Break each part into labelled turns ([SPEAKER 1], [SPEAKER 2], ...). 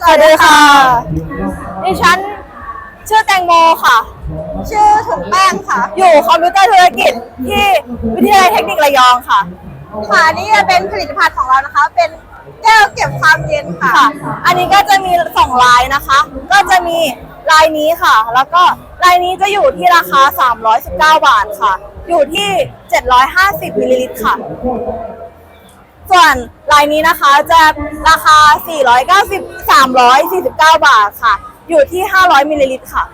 [SPEAKER 1] สวัสดีค่ะดิฉันชื่อแตงโมค่ะ
[SPEAKER 2] ชื่อถุงแป้งค่ะ
[SPEAKER 1] อยู่คอมพิวเตอร์ธุรกิจที่วิทยาลัยเทคนิคระยองค่ะ
[SPEAKER 2] ค่ะนี่จะเป็นผลิตภัณฑ์ของเรานะคะ เป็นแก้วเก็บความเย็นค่ะ
[SPEAKER 1] อันนี้ก็จะมี2ลายนะคะ ก็จะมีลายนี้ค่ะ แล้วก็ลายนี้จะอยู่ที่ราคา319 บาทค่ะ อยู่ที่750มิลลิลิตรค่ะส่วนลายนี้นะคะจะราคา349 บาทค่ะอยู่ที่500มิลลิลิตรค่ะ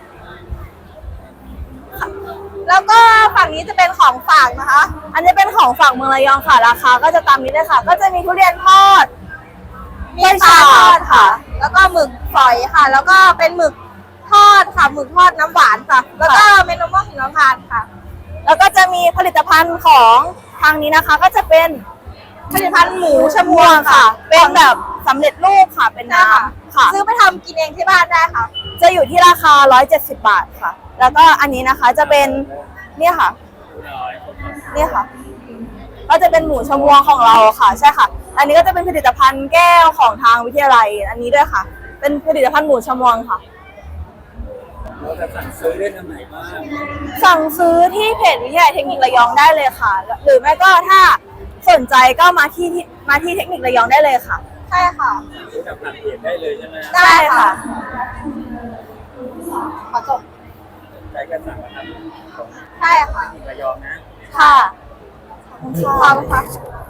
[SPEAKER 2] แล้วก็ฝั่งนี้จะเป็นของฝากนะคะ
[SPEAKER 1] อันนี้เป็นของฝากเมืองระยองค่ะราคาก็จะตามนี้เลยค่ะก็จะมีทุเรียนทอด
[SPEAKER 2] มีปลาทอดค่ะแล้วก็หมึกฝอยค่ะแล้วก็เป็นหมึกทอดค่ะหมึกทอดน้ำหวานค่ะแล้วก็เมนูมะหิมพานต์ค่ะ
[SPEAKER 1] แล้วก็จะมีผลิตภัณฑ์ของทางนี้นะคะก็จะเป็นผลิตภัณฑ์หมูชมวงค่ะเป็นแบบสำเร็จรูปค่ะเป็นน้ำค่ะ
[SPEAKER 2] ซื้อไปทำกินเองที่บ้านได้ค่ะ
[SPEAKER 1] จะอยู่ที่ราคา170 บาทค่ะแล้วก็อันนี้นะคะจะเป็นเนี่ยค่ะเนี่ยค่ะก็จะเป็นหมูชมวงของเราค่ะใช่ค่ะอันนี้ก็จะเป็นผลิตภัณฑ์แก้วของทางวิทยาลัยอันนี้ด้วยค่ะเป็นผลิตภัณฑ์หมูชมวงค่ะ
[SPEAKER 3] เราจะสั่งซื้อได้ทางไหนบ้าง
[SPEAKER 1] สั่งซื้อที่เพจวิทยาลัยเทคนิคระยองได้เลยค่ะหรือไม่ก็ถ้าสนใจก็มาที่เทคนิคระยองได้เลยค่ะ
[SPEAKER 2] ใช่ค่ะ
[SPEAKER 3] ซื้อจากผ่านเพจได้เลยใช่ไหม
[SPEAKER 1] ได้ค่ะ
[SPEAKER 2] ขอจบ
[SPEAKER 3] ใจก็สั่งมาทำของ
[SPEAKER 2] ใช่ค่ะ
[SPEAKER 3] ระยองนะ
[SPEAKER 1] ค่ะ
[SPEAKER 2] ขอบคุณค่ะ